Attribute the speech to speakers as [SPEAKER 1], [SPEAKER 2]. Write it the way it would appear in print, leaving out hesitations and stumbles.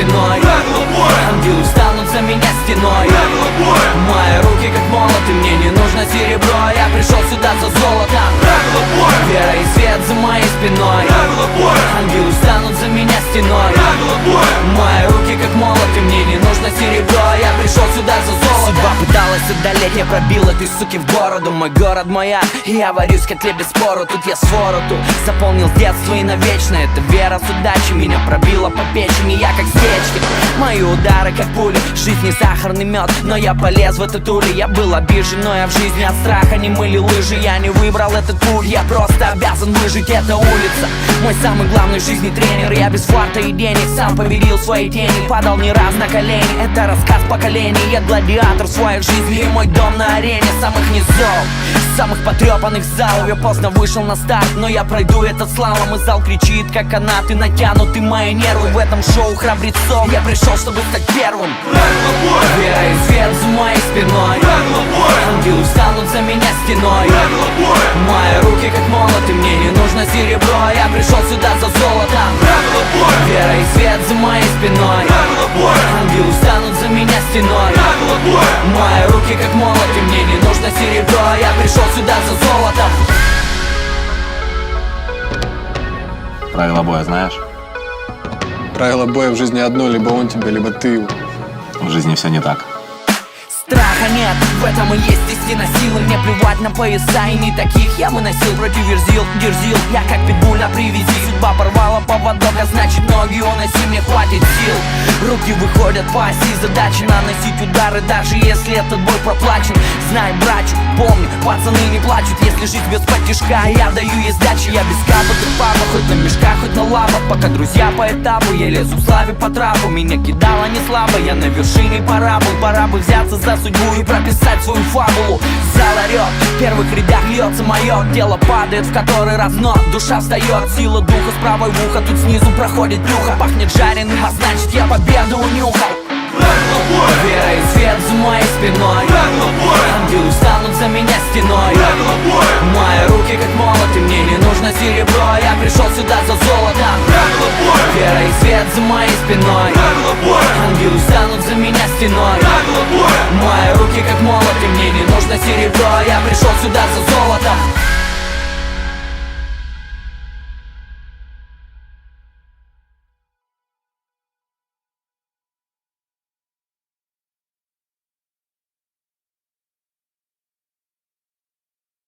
[SPEAKER 1] спиной. Ангелы встанут за меня стеной. Мои руки как молоты, мне не нужно серебро. Я пришел сюда за золотом. Вера и свет за моей спиной. Ангелы встанут за меня стеной. Мои руки как молоты, мне не нужно серебро. Я пришел сюда за золотом. Судьба пыталась одолеть, я пробил этой суки в бороду. Мой город, моя, я варюсь в котле без спору. Тут я свороту заполнил детство и навечно. Это вера с удачей меня пробила по печени. Я как стечки, мои удары как пули. Жизнь не сахарный мед, но я полез в этот улей. Я был обижен, но я в жизни от страха не мыли лыжи. Я не выбрал этот путь, я просто обязан выжить. Это улица, мой самый главный в жизни тренер. Я без фарта и денег сам победил свои тени. Падал не раз на колени, это рассказ поколений. Я гладиатор в своей жизни и мой дом на арене самых низов, самых потрепанных залов. Я поздно вышел на старт, но я пройду этот слалом. И зал кричит, как канаты натянуты мои нервы. В этом шоу храбрецов я пришел, чтобы стать первым. Вера и свет за моей спиной. Ангелы встанут за меня стеной. Мои руки как молоты, мне не нужно серебро. Я пришел сюда за золотом. Вера и свет за моей спиной. Ангелы встанут за меня стеной. Мои руки как молоты, мне не нужно серебро. Я пришел сюда за золотом.
[SPEAKER 2] Правила боя знаешь?
[SPEAKER 3] Правило боя в жизни одно: либо он тебя, либо ты его.
[SPEAKER 2] В жизни все не так.
[SPEAKER 1] Страха нет, в этом и есть истина силы. Мне плевать на пояса, и не таких я выносил. Против дерзил, я как питбуль на привязи. Судьба порвала поводок, а значит ноги уноси, мне хватит сил. Руки выходят по оси, задача наносить удары, даже если этот бой проплачен. Знай, братчу, помни, пацаны не плачут, если жить без потешка. Я даю ей сдачи, я без капот и папа, хоть на мешках, хоть на лапах. Пока друзья по этапу, я лезу в славе по трапу. Меня кидало не слабо, я на вершине парабол. Пора бы взяться за судьбу и прописать свою фабулу. Зал орёт, в первых рядах льется мое. Тело падает в который раз, но душа встает. Сила духа с правой в ухо, тут снизу проходит плюха. Пахнет жареным, а значит я победу унюхал. Вера и свет за моей спиной. Ангелы встанут за меня стеной. Мои руки как молоты, мне не нужно серебро. Я пришел сюда за золотом. Вера и свет за моей спиной. Ангелы встанут за меня стеной. Мои руки как молоты, мне не нужно серебро. Я пришел сюда за золотом.